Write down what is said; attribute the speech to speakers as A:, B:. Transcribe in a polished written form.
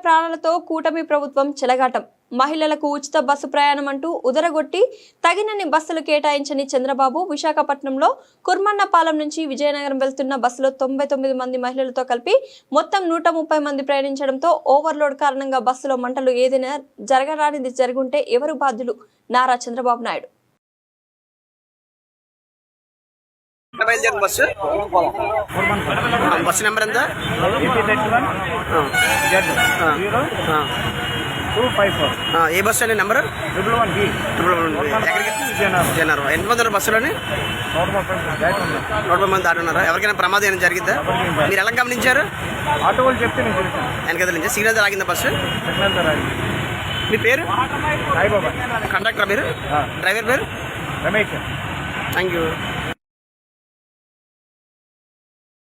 A: ప్రాణాలతో కూటమి ప్రభుత్వం చెలగాటం. మహిళలకు ఉచిత బస్సు ప్రయాణం అంటూ ఉదరగొట్టి తగినన్ని బస్సులు కేటాయించని చంద్రబాబు విశాఖపట్నంలో కుర్మన్నపాలెం నుంచి విజయనగరం వెళ్తున్న బస్సులో 99 మంది మహిళలతో కలిపి మొత్తం 130 మంది ప్రయాణించడంతో ఓవర్లోడ్ కారణంగా బస్సులో మంటలు ఏదైనా జరగరానిది జరుగుంటే ఎవరు బాధ్యులు? నారా చంద్రబాబు నాయుడు.
B: బస్సు నెంబర్ ఎంత? ఏ బస్సు అండి నెంబర్? జనరల్. ఎంతమంది బస్సులోని? 130 మంది దాటున్నారా? ఎవరికైనా ప్రమాదం ఏమైనా జరిగిందా? మీరు ఎలా గమనించారు?
C: ఆటో వాళ్ళు చెప్తే
B: వెనకద నుంచి సిగ్నల్ ఆగిందా బస్సు? మీ పేరు?
C: సాయిబాబా.
B: కండక్టర్ పేరు? డ్రైవర్ పేరు?
C: రమేష్.
B: Thank you.